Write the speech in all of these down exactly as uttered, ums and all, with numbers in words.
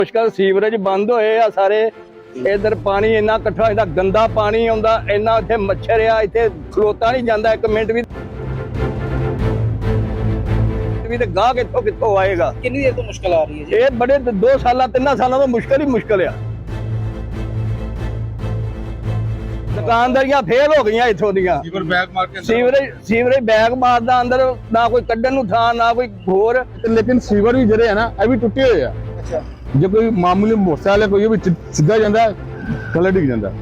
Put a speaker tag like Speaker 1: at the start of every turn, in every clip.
Speaker 1: ਮੁਸ਼ਕਲ ਸੀਵਰੇਜ ਬੰਦ ਹੋਏ ਆ ਸਾਰੇ। ਇਧਰ ਪਾਣੀ ਇੰਨਾ ਇਕੱਠਾ ਹੁੰਦਾ, ਗੰਦਾ ਪਾਣੀ ਆਉਂਦਾ, ਇੰਨਾ ਇੱਥੇ ਮੱਛਰ ਆ, ਇੱਥੇ ਖਲੋਤਾ ਨਹੀਂ ਜਾਂਦਾ ਇੱਕ ਮਿੰਟ ਵੀ। ਵੀ ਤੇ ਗਾਹ ਕਿੱਥੋਂ ਕਿੱਥੋਂ ਆਏਗਾ।
Speaker 2: ਕਿੰਨੀ ਦੇਰ ਤੋਂ ਮੁਸ਼ਕਲ ਆ ਰਹੀ ਹੈ ਜੀ?
Speaker 1: ਇਹ ਬੜੇ ਦੋ ਸਾਲਾਂ ਤਿੰਨਾਂ ਸਾਲਾਂ ਤੋਂ ਮੁਸ਼ਕਲ ਹੀ ਮੁਸ਼ਕਲ ਆ। ਦੁਕਾਨਦਾਰੀਆਂ ਫੇਲ ਹੋ ਗਈਆਂ ਇੱਥੋਂ ਦੀਆਂ।
Speaker 3: ਸੀਵਰ ਬੈਗ ਮਾਰ ਕੇ
Speaker 1: ਸੀਵਰੇਜ ਸੀਵਰੇਜ ਬੈਗ ਮਾਰਦਾ ਅੰਦਰ, ਨਾ ਕੋਈ ਕੱਢਣ ਨੂੰ ਥਾਂ ਨਾ ਕੋਈ ਹੋਰ।
Speaker 4: लेकिन सीवर भी जरे है ना अभी टुटे हुए हैं।
Speaker 2: ਅੱਛਾ,
Speaker 4: जो कोई मामूली मोटरसाइकिल है कोई भी सीधा जाता है थले डिग जाता है।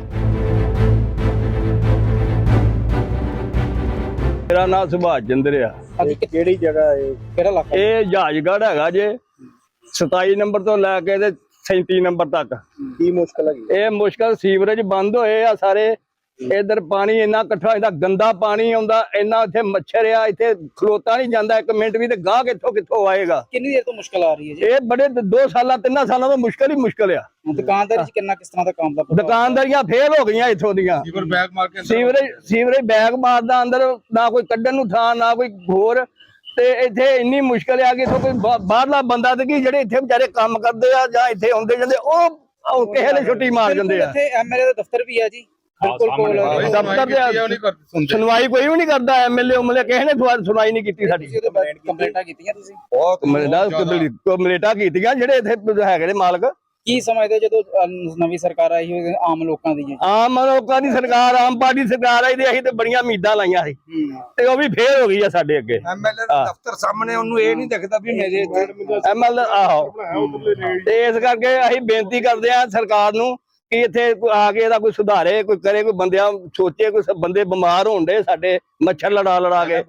Speaker 1: ਮੇਰਾ ਨਾਮ ਸੁਭਾਸ਼ ਚੰਦਰ ਆ।
Speaker 2: ਅੱਜ ਕਿਹੜੀ ਜਗ੍ਹਾ ਹੈ, ਕਿਹੜਾ ਇਲਾਕਾ?
Speaker 1: ਇਹ ਜਹਾਜਗੜ੍ਹ ਹੈਗਾ ਜੇ, ਸਤਾਈ ਨੰਬਰ ਤੋਂ ਲੈ ਕੇ ਤੇ ਸੈਂਤੀ ਨੰਬਰ ਤੱਕ।
Speaker 2: ਕੀ ਮੁਸ਼ਕਲ ਹੈਗੀ?
Speaker 1: ਇਹ ਮੁਸ਼ਕਲ ਸੀਵਰੇਜ ਬੰਦ ਹੋਏ ਆ ਸਾਰੇ। ਇਧਰ ਪਾਣੀ ਇੰਨਾ ਇਕੱਠਾ ਹੁੰਦਾ, ਗੰਦਾ ਪਾਣੀ ਆਉਂਦਾ, ਇੰਨਾ ਇੱਥੇ ਮੱਛਰ ਆ, ਇੱਥੇ ਖਲੋਤਾ ਨਹੀਂ ਜਾਂਦਾ ਇੱਕ ਮਿੰਟ ਵੀ ਤੇ ਗਾਹ ਕਿੱਥੋਂ ਕਿੱਥੋਂ ਆਏਗਾ।
Speaker 2: ਕਿੰਨੀ ਦੇਰ ਤੋਂ ਮੁਸ਼ਕਲ ਆ ਰਹੀ ਹੈ ਜੀ?
Speaker 1: ਇਹ ਬੜੇ ਦੋ ਸਾਲਾਂ ਤਿੰਨਾਂ ਸਾਲਾਂ ਤੋਂ ਮੁਸ਼ਕਲ ਹੀ ਮੁਸ਼ਕਲ ਆ।
Speaker 2: ਦੁਕਾਨਦਾਰੀ ਚ ਕਿੰਨਾ ਕਿਸ ਤਰ੍ਹਾਂ ਦਾ ਕੰਮ ਦਾ ਪ੍ਰਭਾਵ?
Speaker 1: ਦੁਕਾਨਦਾਰੀਆਂ ਫੇਲ ਹੋ ਗਈਆਂ ਇੱਥੋਂ ਦੀਆਂ।
Speaker 3: ਸੀਵਰ ਬੈਗ ਮਾਰ ਕੇ
Speaker 1: ਸੀਵਰੇਜ ਸੀਵਰੇਜ ਬੈਗ ਮਾਰਦਾ ਅੰਦਰ, ਨਾ ਕੋਈ ਕੱਢਣ ਨੂੰ ਥਾਂ ਨਾ ਕੋਈ ਹੋਰ। ਤੇ ਇੱਥੇ ਇੰਨੀ ਮੁਸ਼ਕਲ ਆ ਕਿ ਇੱਥੋਂ ਕੋਈ ਬਾ- ਬਾਹਰਲਾ ਬੰਦਾ ਤੇ ਕੀ ਜਿਹੜੇ ਇੱਥੇ ਵਿਚਾਰੇ ਕੰਮ ਕਰਦੇ ਆ ਜਾਂ ਇੱਥੇ ਆਉਂਦੇ ਜਾਂਦੇ ਉਹ ਉਹ ਕਿਸੇ ਨੇ ਛੁੱਟੀ ਮਾਰ ਜਾਂਦੇ ਆ।
Speaker 2: ਇੱਥੇ ਐਮਐਲਏ ਦਾ ਦਫ਼ਤਰ ਵੀ ਹੈ ਜੀ, ਬਿਲਕੁਲ ਕੋਲ।
Speaker 1: ਦਫ਼ਤਰ ਦੇ ਸੁਣਵਾਈ ਕੋਈ ਵੀ ਨਹੀਂ ਕਰਦਾ। ਐਮਐਲਏ ਉਮਲੇ ਕਿਸੇ ਨੇ ਦੁਆ- ਸੁਣਵਾਈ ਨਹੀਂ ਕੀਤੀ ਸਾਡੀ।
Speaker 2: ਕੰਪਲੇਂਟਾਂ ਕੀਤੀਆਂ ਤੁਸੀਂ?
Speaker 1: ਬਹੁਤ ਕੰਪਲੇਂਟਾਂ ਕੀਤੀਆਂ ਜਿਹੜੇ ਇੱਥੇ ਹੈਗੇ ਨੇ ਮਾਲਕ।
Speaker 2: ਕੀ ਸਮਝਦੇ ਜਦੋਂ ਅਹ, ਨਵੀਂ ਸਰਕਾਰ ਆਈ ਹੋਈ ਆਮ ਲੋਕਾਂ ਦੀ?
Speaker 1: ਆਮ ਲੋਕਾਂ ਦੀ ਸਰਕਾਰ, ਆਮ ਪਾਰਟੀ ਸਰਕਾਰ ਆਈ ਤੇ ਅਸੀਂ ਤੇ ਬੜੀਆਂ ਉਮੀਦਾਂ ਲਾਈਆਂ ਸੀ ਤੇ ਉਹ ਵੀ ਫੇਲ ਹੋ ਗਈ ਆ ਸਾਡੇ ਅੱਗੇ।
Speaker 3: ਐਮਐਲਏ ਦਾ ਦਫ਼ਤਰ ਸਾਹਮਣੇ, ਉਹਨੂੰ ਇਹ ਨਹੀਂ ਦਿਖਦਾ ਵੀ ਮੇਰੇ
Speaker 1: ਐਮਐਲ ਆਹੋ। ਤੇ ਇਸ ਕਰਕੇ ਅਸੀਂ ਬੇਨਤੀ ਕਰਦੇ ਆ ਸਰਕਾਰ ਨੂੰ ਕਿ ਇੱਥੇ ਕੋਈ ਆ ਕੇ ਇਹਦਾ ਕੋਈ ਸੁਧਾਰੇ, ਕੋਈ ਕਰੇ, ਕੋਈ ਬੰਦਿਆਂ ਸੋਚੇ, ਕੋਈ ਬੰਦੇ ਬਿਮਾਰ ਹੋਣ ਦੇ ਸਾਡੇ ਮੱਛਰ ਲੜਾ ਲੜਾ ਕੇ।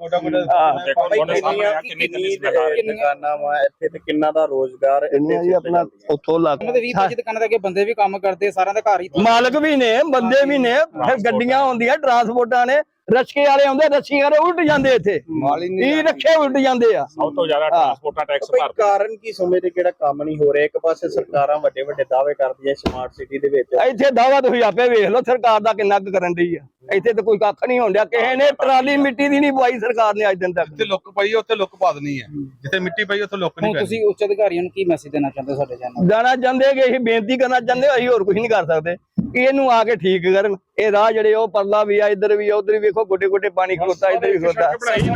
Speaker 2: ਦੁਕਾਨਾਂ ਵਾ ਇੱਥੇ ਤੇ ਕਿੰਨਾ ਦਾ ਰੋਜ਼ਗਾਰ
Speaker 1: ਜੀ ਆਪਣਾ ਉੱਥੋਂ ਲੱਗ
Speaker 2: ਵੀਹ ਪੱਚੀ ਦੁਕਾਨਾਂ ਦੇ ਅੱਗੇ ਬੰਦੇ ਵੀ ਕੰਮ ਕਰਦੇ, ਸਾਰਿਆਂ ਦਾ ਘਰ ਹੀ
Speaker 1: ਮਾਲਕ ਵੀ ਨੇ, ਬੰਦੇ ਵੀ ਨੇ, ਫਿਰ ਗੱਡੀਆਂ ਹੁੰਦੀਆਂ, ਟਰਾਂਸਪੋਰਟਾਂ ਨੇ, ਰਸ਼ਕੇ ਵਾਲੇ ਆਉਂਦੇ, ਰਸ਼ੀ ਵਾਲੇ ਉਲਟ ਜਾਂਦੇ ਇੱਥੇ, ਇਹ ਰੱਖੇ ਉਲਟ ਜਾਂਦੇ ਆ।
Speaker 5: ਸਭ ਤੋਂ ਜ਼ਿਆਦਾ ਟਰਾਂਸਪੋਰਟਾਂ ਟੈਕਸ ਭਰਦੇ।
Speaker 2: ਕਾਰਨ ਕੀ ਸਮਝਦੇ ਕਿਹੜਾ ਕੰਮ ਨਹੀਂ ਹੋ ਰਿਹਾ? ਇੱਕ ਪਾਸੇ ਸਰਕਾਰਾਂ ਵੱਡੇ ਵੱਡੇ ਦਾਅਵੇ ਕਰਦੀਆਂ ਸਮਾਰਟ ਸਿਟੀ ਦੇ ਵਿੱਚ,
Speaker 1: ਇੱਥੇ ਦਾਵਾ ਤੁਸੀਂ ਆਪੇ ਵੇਖ ਲਓ ਸਰਕਾਰ ਦਾ ਕਿੰਨਾ ਕੁ ਕਰਨ ਦੀ ਆ। ਇੱਥੇ ਤਾਂ ਕੋਈ ਕੱਖ ਨਹੀਂ ਹੋਣ ਡਿਆ। ਕਿਸੇ ਨੇ ਟਰਾਲੀ ਮਿੱਟੀ ਦੀ ਨਹੀਂ ਪਵਾਈ ਸਰਕਾਰ ਨੇ ਅੱਜ ਦਿਨ ਤੱਕ।
Speaker 3: ਜਿੱਥੇ ਲੁੱਕ ਪਈ ਉੱਥੇ ਲੁੱਕ ਪਾ ਦੇਣੀ ਹੈ, ਜਿੱਥੇ ਮਿੱਟੀ ਪਈ ਉੱਥੇ ਲੁੱਕ ਨਹੀਂ
Speaker 2: ਹੁਣ
Speaker 3: ਪੈਣੀ।
Speaker 2: ਤੁਸੀਂ ਉੱਚ ਅਧਿਕਾਰੀਆਂ ਨੂੰ ਕੀ ਮੈਸੇਜ ਦੇਣਾ ਚਾਹੁੰਦੇ ਸਾਡੇ ਚੈਨਲ?
Speaker 1: ਜਾਣਾ ਚਾਹੁੰਦੇ ਕਿ ਅਸੀਂ ਬੇਨਤੀ ਕਰਨਾ ਚਾਹੁੰਦੇ, ਅਸੀਂ ਹੋਰ ਕੁਝ ਨਹੀਂ ਕਰ ਸਕਦੇ ਕਿ ਇਹਨੂੰ ਆ ਕੇ ਠੀਕ ਕਰਨ। ਇਹ ਰਾਹ ਜਿਹੜੇ ਉਹ ਪਰਲਾ ਵੀ ਆ, ਇੱਧਰ ਵੀ ਆ, ਉੱਧਰ ਵੀ ਵੇਖੋ ਗੋਡੇ ਗੋਡੇ ਪਾਣੀ ਖਲੋਤਾ, ਇੱਧਰ ਵੀ ਖਲੋਤਾ।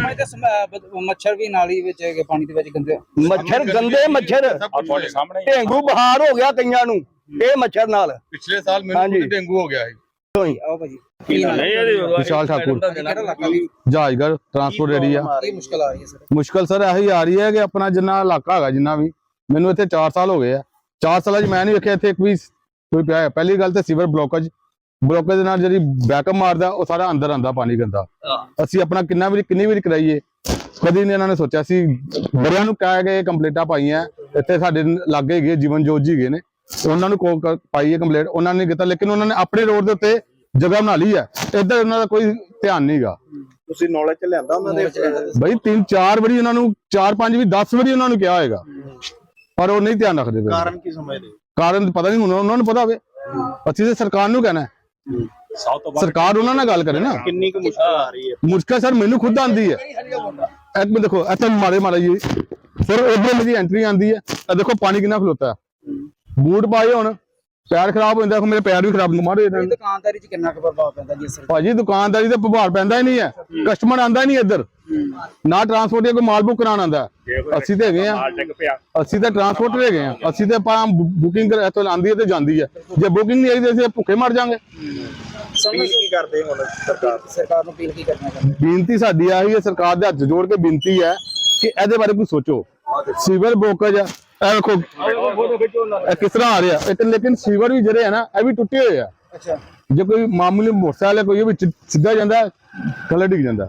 Speaker 2: ਮੱਛਰ ਵੀ ਨਾਲੀ ਵਿੱਚ ਪਾਣੀ ਦੇ ਵਿੱਚ ਗੰਦੇ
Speaker 1: ਮੱਛਰ ਗੰਦੇ ਮੱਛਰ,
Speaker 5: ਤੁਹਾਡੇ ਸਾਹਮਣੇ
Speaker 1: ਡੇਂਗੂ ਬੁਖਾਰ ਹੋ ਗਿਆ ਕਈਆਂ ਨੂੰ ਇਹ ਮੱਛਰ ਨਾਲ।
Speaker 3: ਪਿਛਲੇ ਸਾਲ ਮੈਨੂੰ ਖੁਦ ਡੇਂਗੂ ਹੋ ਗਿਆ ਸੀ।
Speaker 2: ਆਓ ਭਾਜੀ।
Speaker 4: विशाल ठाकुर
Speaker 2: ਕਿਹੜਾ ਇਲਾਕਾ ਵੀ?
Speaker 4: Jahajgarh transport area.
Speaker 2: ਕੀ ਮੁਸ਼ਕਲ ਆ ਰਹੀ ਹੈ ਸਰ?
Speaker 4: मुश्किल सर यही आ रही है कि अपना जिन्ना इलाका है जिन्ना भी, मैनू इत्थे चार साल हो गए आ। चार साल मैं नहीं वेखिया इत्थे एक भी कोई पिया है। पहली गल तो सीवर ब्लॉकेज ब्लॉकेज दे नाल जिहड़ी बैकअप मारदा ਉਹ ਸਾਰਾ ਅੰਦਰ ਆਂਦਾ ਪਾਣੀ ਗੰਦਾ। ਅਸੀਂ ਆਪਣਾ ਕਿੰਨਾ ਵੀ ਕਿੰਨੀ ਵਾਰੀ ਕਰਾਈਏ, ਕਦੀ ਨਹੀਂ ਇਹਨਾਂ ਨੇ ਸੋਚਿਆ। ਸੀ ਬੜਿਆਂ ਨੂੰ ਕਹਿ ਗਏ, ਕੰਪਲੇਂਟਾਂ ਪਾਈਆਂ, ਇੱਥੇ ਸਾਡੇ ਲਾਗੇ ਹੈਗੇ ਜੀਵਨ ਜੋਤ ਜੀ ਹੈਗੇ ਨੇ, ਉਹਨਾਂ ਨੂੰ ਕੋ ਪਾਈਏ ਕੰਪਲੇਂਟ, ਉਹਨਾਂ ਨੇ ਕੀਤਾ। ਲੇਕਿਨ ਉਹਨਾਂ ਨੇ ਆਪਣੇ ਰੋਡ ਦੇ ਉੱਤੇ ਜਗ੍ਹਾ ਬਣਾ ਲਈ ਹੈ, ਇੱਧਰ ਉਹਨਾਂ ਦਾ ਕੋਈ ਧਿਆਨ ਨਹੀਂਗਾ।
Speaker 2: ਤੁਸੀਂ ਨੌਲੇਜ ਚ ਲਿਆਂਦਾ ਉਹਨਾਂ ਦੇ?
Speaker 4: ਬਈ ਤਿੰਨ ਚਾਰ ਵਾਰੀ ਉਹਨਾਂ ਨੂੰ, ਚਾਰ ਪੰਜ ਵੀ ਦਸ ਵਾਰੀ ਉਹਨਾਂ ਨੂੰ ਕਿਹਾ ਹੋਏਗਾ, ਪਰ ਉਹ ਨਹੀਂ ਧਿਆਨ ਰੱਖਦੇ।
Speaker 2: ਕਾਰਨ ਕੀ ਸਮਝਦੇ?
Speaker 4: ਕਾਰਨ ਪਤਾ ਨਹੀਂ, ਹੁਣ ਉਹਨਾਂ ਨੂੰ ਪਤਾ ਹੋਵੇ। ਅਸੀਂ ਤੇ ਸਰਕਾਰ ਨੂੰ ਕਹਿਣਾ,
Speaker 5: ਸਭ ਤੋਂ
Speaker 4: ਸਰਕਾਰ ਉਹਨਾਂ ਨਾਲ ਗੱਲ ਕਰੇ ਨਾ।
Speaker 2: ਕਿੰਨੀ ਕੁ ਮੁਸ਼ਕਲ ਆ ਰਹੀ ਹੈ?
Speaker 4: ਮੁਸ਼ਕਲ ਸਰ ਮੈਨੂੰ ਖੁਦ ਆਂਦੀ ਹੈ। ਇੱਕ ਮਿੰਟ ਦੇਖੋ, ਇੱਥੇ ਮਾਰੇ ਮਾਰਾ ਜੀ ਫਿਰ ਉਧਰ ਮੇਰੀ ਐਂਟਰੀ ਆਂਦੀ ਹੈ, ਇਹ ਦੇਖੋ ਪਾਣੀ ਕਿੰਨਾ ਖਲੋਤਾ ਹੈ। ਬੂਟ ਪਾਏ ਹੁਣ ਪੈਰ ਖਰਾਬ ਹੋ ਜਾਂਦਾ, ਮੇਰੇ ਪੈਰ ਵੀ ਖਰਾਬ ਮਾਰੇ।
Speaker 2: ਦੁਕਾਨਦਾਰੀ ਚ ਕਿੰਨਾ ਕੁ ਪ੍ਰਭਾਵ ਪੈਂਦਾ ਜੀ ਸਰ?
Speaker 4: ਭਾਜੀ ਦੁਕਾਨਦਾਰੀ ਤੇ ਪ੍ਰਭਾਵ ਪੈਂਦਾ ਹੀ ਨਹੀਂ ਹੈ, ਕਸਟਮਰ ਆਂਦਾ ਹੀ ਨਹੀਂ ਇੱਧਰ, ਨਾ ਟਰਾਂਸਪੋਰਟ ਕੋਈ ਮਾਲ ਬੁੱਕ ਕਰਾਉਣ ਆਂਦਾ। ਅਸੀਂ ਤੇ ਹੈਗੇ ਆ, ਅਸੀਂ ਤਾਂ ਟਰਾਂਸਪੋਰਟ ਹੈਗੇ ਆ, ਅਸੀਂ ਤੇ ਆਪਾਂ ਬੁਕਿੰਗ ਇੱਥੋਂ ਆਂਦੀ ਹੈ ਤੇ ਜਾਂਦੀ ਹੈ। ਜੇ ਬੁਕਿੰਗ ਨਹੀਂ ਆਈ ਤੇ ਅਸੀਂ ਭੁੱਖੇ ਮਰ ਜਾਾਂਗੇ।
Speaker 2: ਸਮਝ ਕੀ ਕਰਦੇ ਹੁਣ ਸਰਕਾਰ ਸਰਕਾਰ ਨੂੰ ਅਪੀਲ ਕੀ ਕਰਨਾ ਚਾਹੁੰਦੇ?
Speaker 4: ਬੇਨਤੀ ਸਾਡੀ ਆਹੀ ਹੈ, ਸਰਕਾਰ ਦੇ ਹੱਥ ਜੋੜ ਕੇ ਬੇਨਤੀ ਹੈ ਕਿ ਇਹਦੇ ਬਾਰੇ ਕੁਝ ਸੋਚੋ। ਸੀਵਰ ਬਲੋਕੇਜ ਆ, ਇਹ ਦੇਖੋ ਇਹ ਕਿਸ ਤਰ੍ਹਾਂ ਆ ਰਿਹਾ ਇਹ, ਲੇਕਿਨ ਸੀਵਰ ਵੀ ਜਿਹੜੇ ਹੈ ਨਾ ਇਹ ਵੀ ਟੁੱਟੇ ਹੋਏ ਆ।
Speaker 2: ਅੱਛਾ,
Speaker 4: ਜੇ ਕੋਈ ਮਾਮੂਲੀ ਮੋਟਰਸਾਈਕਲ ਹੈ ਕੋਈ ਉਹ ਵਿੱਚ ਸਿੱਧਾ ਜਾਂਦਾ, ਥੱਲੇ ਡਿੱਗ ਜਾਂਦਾ।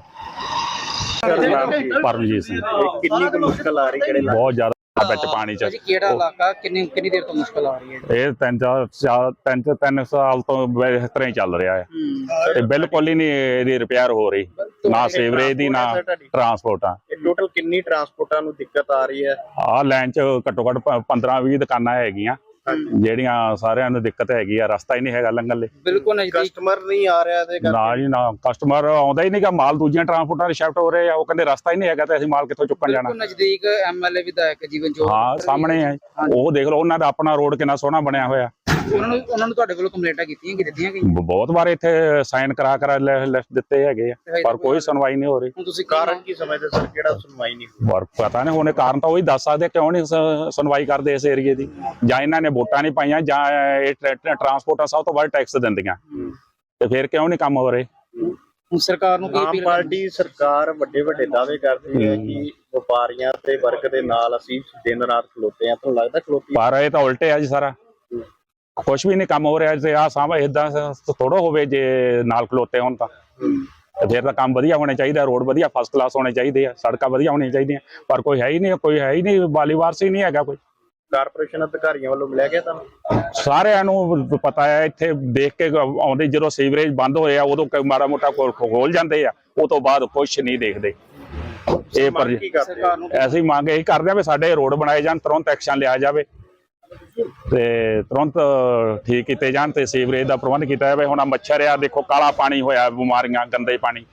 Speaker 5: ਪਰਮਜੀਤ ਸਿੰਘ।
Speaker 2: ਕਿੰਨੀ ਕੁ ਮੁਸ਼ਕਲ ਆ ਰਹੀ ਕਿਹੜੇ ਇਲਾਕੇ?
Speaker 5: ਬਹੁਤ ਜ਼ਿਆਦਾ ਵਿੱਚ ਪਾਣੀ ਚ।
Speaker 2: ਕਿਹੜਾ ਇਲਾਕਾ? ਕਿੰਨੀ ਕਿੰਨੀ ਦੇਰ ਤੋਂ ਮੁਸ਼ਕਲ ਆ ਰਹੀ ਹੈ?
Speaker 5: ਇਹ ਤਿੰਨ ਚਾਰ ਚਾਰ ਤਿੰਨ ਤਿੰਨ ਸਾਲ ਤੋਂ ਇਸ ਤਰ੍ਹਾਂ ਹੀ ਚੱਲ ਰਿਹਾ ਹੈ ਤੇ ਬਿਲਕੁਲ ਹੀ ਨਹੀਂ ਇਹਦੀ ਰਿਪੇਅਰ ਹੋ ਰਹੀ, ਨਾ ਸੀਵਰੇਜ ਦੀ ਨਾ ਟਰਾਂਸਪੋਰਟਾਂ।
Speaker 2: ਇਹ ਟੋਟਲ ਕਿੰਨੀ ਟਰਾਂਸਪੋਰਟਾਂ ਨੂੰ ਦਿੱਕਤ ਆ ਰਹੀ ਹੈ?
Speaker 5: ਆਹ ਲਾਈਨ ਚ ਘੱਟੋ ਘੱਟ ਪੰਦਰਾਂ ਵੀਹ ਦੁਕਾਨਾਂ ਹੈਗੀਆਂ ਜਿਹੜੀਆਂ ਸਾਰਿਆਂ ਨੂੰ ਦਿੱਕਤ ਹੈਗੀ ਆ, ਰਸਤਾ ਹੀ ਨਹੀਂ ਹੈਗਾ ਲੰਘਣ ਲਈ।
Speaker 2: ਬਿਲਕੁਲ ਨਜ਼ਦੀਕ ਕਸਟਮਰ ਨਹੀਂ ਆ ਰਿਹਾ ਤੇ
Speaker 5: ਨਾ ਜੀ ਨਾ, ਕਸਟਮਰ ਆਉਂਦਾ ਹੀ ਨਹੀਂਗਾ, ਮਾਲ ਦੂਜੀਆਂ ਟਰਾਂਸਪੋਰਟਾਂ ਦੇ ਸ਼ਿਫਟ ਹੋ ਰਹੇ ਆ, ਉਹ ਕਹਿੰਦੇ ਰਸਤਾ ਹੀ ਨਹੀਂ ਹੈਗਾ ਤੇ ਅਸੀਂ ਮਾਲ ਕਿੱਥੋਂ ਚੁੱਕਣ ਜਾਣਾ।
Speaker 2: ਨਜ਼ਦੀਕ ਐਮਐਲਏ ਵਿਧਾਇਕ ਜੀਵਨ ਜੋਤ
Speaker 5: ਹਾਂ ਸਾਹਮਣੇ ਹੈ, ਉਹ ਦੇਖ ਲਓ ਉਹਨਾਂ ਦਾ ਆਪਣਾ ਰੋਡ ਕਿੰਨਾ ਸੋਹਣਾ ਬਣਿਆ ਹੋਇਆ।
Speaker 2: ਉਹਨਾਂ ਨੂੰ ਉਹਨਾਂ ਨੂੰ ਤੁਹਾਡੇ ਕੋਲੋਂ ਕੰਪਲੇਂਟਾਂ ਕੀਤੀਆਂ ਕਿ ਦਿੱਤੀਆਂ ਗਈਆਂ?
Speaker 5: ਬ- ਬਹੁਤ ਵਾਰ ਇੱਥੇ ਸਾਈਨ ਕਰਾ ਕਰਾ ਲਿਖਤ ਦਿੱਤੇ ਹੈਗੇ ਆ, ਪਰ ਕੋਈ ਸੁਣਵਾਈ ਨਹੀਂ ਹੋ ਰਹੀ।
Speaker 2: ਹੁਣ ਤੁਸੀਂ ਕਾਰਨ ਕੀ ਸਮਝਦੇ ਸਰ, ਕਿਹੜਾ ਸੁਣਵਾਈ ਨਹੀਂ?
Speaker 5: ਪਰ ਪਤਾ ਨਹੀਂ ਹੋਣੇ ਕਾਰਨ ਤਾਂ ਉਹੀ ਦੱਸ ਸਕਦੇ ਕਿਉਂ ਨਹੀਂ ਸ- ਸੁਣਵਾਈ ਕਰਦੇ ਇਸ ਏਰੀਏ ਦੀ। ਜਾਂ ਇਹਨਾਂ ਨੇ ਵੋਟਾਂ ਨਹੀਂ ਪਾਈਆਂ, ਜਾਂ ਇਹ ਟਰਾਂਸਪੋਰਟਾਂ ਸਭ ਤੋਂ ਵੱਧ ਟੈਕਸ ਦਿੰਦੀਆਂ, ਤੇ ਫਿਰ ਕਿਉਂ ਨਹੀਂ ਕੰਮ ਹੋ ਰਹੇ?
Speaker 2: ਹੁਣ ਸਰਕਾਰ ਨੂੰ ਕੀ ਅਪੀਲ? ਆਮ ਪਾਰਟੀ ਸਰਕਾਰ ਵੱਡੇ ਵੱਡੇ ਦਾਅਵੇ ਕਰਦੀ ਹੈ ਕਿ ਵਪਾਰੀਆਂ ਤੇ ਵਰਗ ਦੇ ਨਾਲ ਅਸੀਂ ਦਿਨ ਰਾਤ ਖਲੋਤੇ ਆ, ਤੁਹਾਨੂੰ ਲੱਗਦਾ ਖਲੋਤੀ?
Speaker 5: ਪਰ ਇਹ ਤਾਂ ਉਲਟੇ ਆ ਜੀ, ਸਾਰਾ ਕੁਛ ਵੀ ਨਹੀਂ ਕੰਮ ਹੋ ਰਿਹਾ। ਤੇ ਆਹ ਸਾਹਮਣੇ ਏਦਾਂ ਥੋੜਾ ਹੋਵੇ ਜੇ ਨਾਲ ਖਲੋਤੇ ਹੋਣ ਤਾਂ, ਤੇ ਫਿਰ ਤਾਂ ਕੰਮ ਵਧੀਆ ਹੋਣੇ ਚਾਹੀਦਾ, ਰੋਡ ਵਧੀਆ ਫਸਟ ਕਲਾਸ ਹੋਣੇ ਚਾਹੀਦੇ ਆ, ਸੜਕਾਂ ਵਧੀਆ ਹੋਣੀਆਂ ਚਾਹੀਦੀਆਂ, ਪਰ ਕੋਈ ਹੈ ਹੀ ਨਹੀਂ, ਕੋਈ ਹੈ ਹੀ ਨਹੀਂ, ਵਾਲੀਵਾਰਸ ਹੀ ਨਹੀਂ ਹੈਗਾ ਕੋਈ।
Speaker 2: ਕਾਰਪੋਰੇਸ਼ਨ ਅਧਿਕਾਰੀਆਂ ਵੱਲੋਂ ਮਿਲਿਆ ਗਿਆ ਤੁਹਾਨੂੰ?
Speaker 5: ਸਾਰਿਆਂ ਨੂੰ ਪਤਾ ਹੈ, ਇੱਥੇ ਦੇਖ ਕੇ ਆਉਂਦੇ, ਜਦੋਂ ਸੀਵਰੇਜ ਬੰਦ ਹੋਏ ਆ ਉਦੋਂ ਕ- ਮਾੜਾ ਮੋਟਾ ਖੋਲ ਖੋਲ ਜਾਂਦੇ ਆ, ਉਹ ਤੋਂ ਬਾਅਦ ਕੁਛ ਨਹੀਂ ਦੇਖਦੇ। ਇਹ ਪਰ
Speaker 2: ਸਰਕਾਰ ਨੂੰ
Speaker 5: ਐਸੀ ਮੰਗ ਇਹੀ ਕਰਦੇ ਆ ਵੀ ਸਾਡੇ ਰੋਡ ਬਣਾਏ ਜਾਣ, ਤੁਰੰਤ ਐਕਸ਼ਨ ਲਿਆ ਜਾਵੇ ਤੇ ਤੁਰੰਤ ਠੀਕ ਕੀਤੇ ਜਾਣ ਤੇ ਸੀਵਰੇਜ ਦਾ ਪ੍ਰਬੰਧ ਕੀਤਾ ਜਾਵੇ। ਹੁਣ ਆਹ ਮੱਛਰ ਆ ਦੇਖੋ, ਕਾਲਾ ਪਾਣੀ ਹੋਇਆ, ਬਿਮਾਰੀਆਂ, ਗੰਦੇ ਪਾਣੀ,